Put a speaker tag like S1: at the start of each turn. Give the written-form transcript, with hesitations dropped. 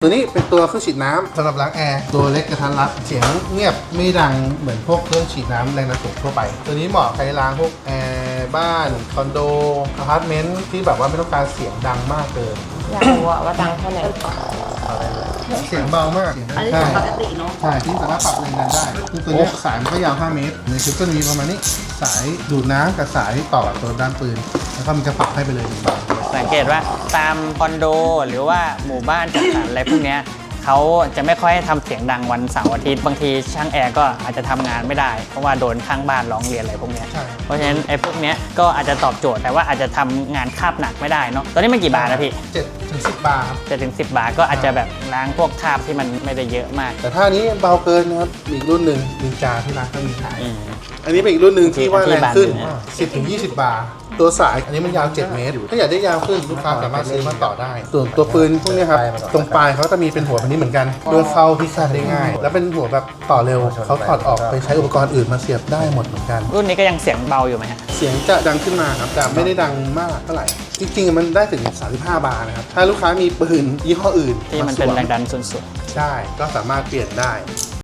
S1: ตัวนี้เป็นตัวเครื่องฉีดน้ำสำหรับล้างแอร์ตัวเล็กกระทัดรัดเสียงเงียบไม่ดังเหมือนพวกเครื่องฉีดน้ำแรงดันสูงทั่วไปตัวนี้เหมาะใครล้างพวกแอร์บ้านคอนโดอพาร์ตเมนต์ที่แบบว่าไม่ต้องการเสียงดังมากเกิน
S2: อยากรู้ว่าดังแค่ไหน
S1: เสียงเบามาก
S3: อันนี้ปกติเนาะ
S1: ใช่ที่สามารถปรับแรงดันได้คือตัวนี้สายมันก็ยาว5 เมตรในชุดก็มีประมาณนี้สายดูดน้ำกับสายต่อกับตัวด้านปืนแล้วก็มันจะปรับให้ไปเลย1 บาท
S4: สังเกตว่าตามคอนโดหรือว่าหมู่บ้านจัดสรรอะไรพวกเนี้ยเขาจะไม่ค่อยทำเสียงดังวันเสาร์อาทิตย์บางทีช่างแอร์ก็อาจจะทำงานไม่ได้เพราะว่าโดนข้างบ้านร้องเรียนอะไรพวกเนี้ย
S1: ใช่
S4: เพราะฉะนั้นไอ้พวกเนี้ยก็อาจจะตอบโจทย์แต่ว่าอาจจะทำงานคาบหนักไม่ได้เนาะตอนนี้มันกี่บาทนะพี่
S1: 7 ถึง 10 บาทครับ
S4: 7 ถึง 10 บาทก็อาจจะแบบล้างพวกคราบที่มันไม่ได้เยอะมาก
S1: แต่ถ้าอันนี้เบาเกินนะครับมีอีกรุ่นหนึ่งนินจาที่ร้านก็มีขาย
S4: อืม
S1: อันนี้เป็นอีกรุ่นหนึ่งที่ว่าแรงขึ้น
S4: ที่บาน
S1: 10 ถึง 20 บาท ตัวสายอันนี้มันยาว 7 เมตร ถ้าอยากได้ยาวขึ้นลูกค้าสามารถซื้อมาต่อได้ ส่วนตัวปืนพวกนี้ครับ ตรงปลายเขาจะมีเป็นหัวแบบนี้เหมือนกันโดนเข้าพิฆาตได้ง่าย แล้วเป็นหัวแบบต่อเร็วเขาถอดออกไปใช้อุปกรณ์อื่นมาเสียบได้หมดเหมือนกัน
S4: รุ่นนี้ก็ยังเสียงเบาอยู่ไหมฮะ
S1: เสียงจะดังขึ้นมาครับแต่ไม่ได้ดังมากเท่าไหร่ จริงๆมันได้ถึง 35 บาทนะครับ ถ้าลูกค้ามีปืนยี่ห้ออื่น
S4: ที่มันเป็นแรงดันสุด
S1: ใช่ ก็สามารถเปลี่ยนได้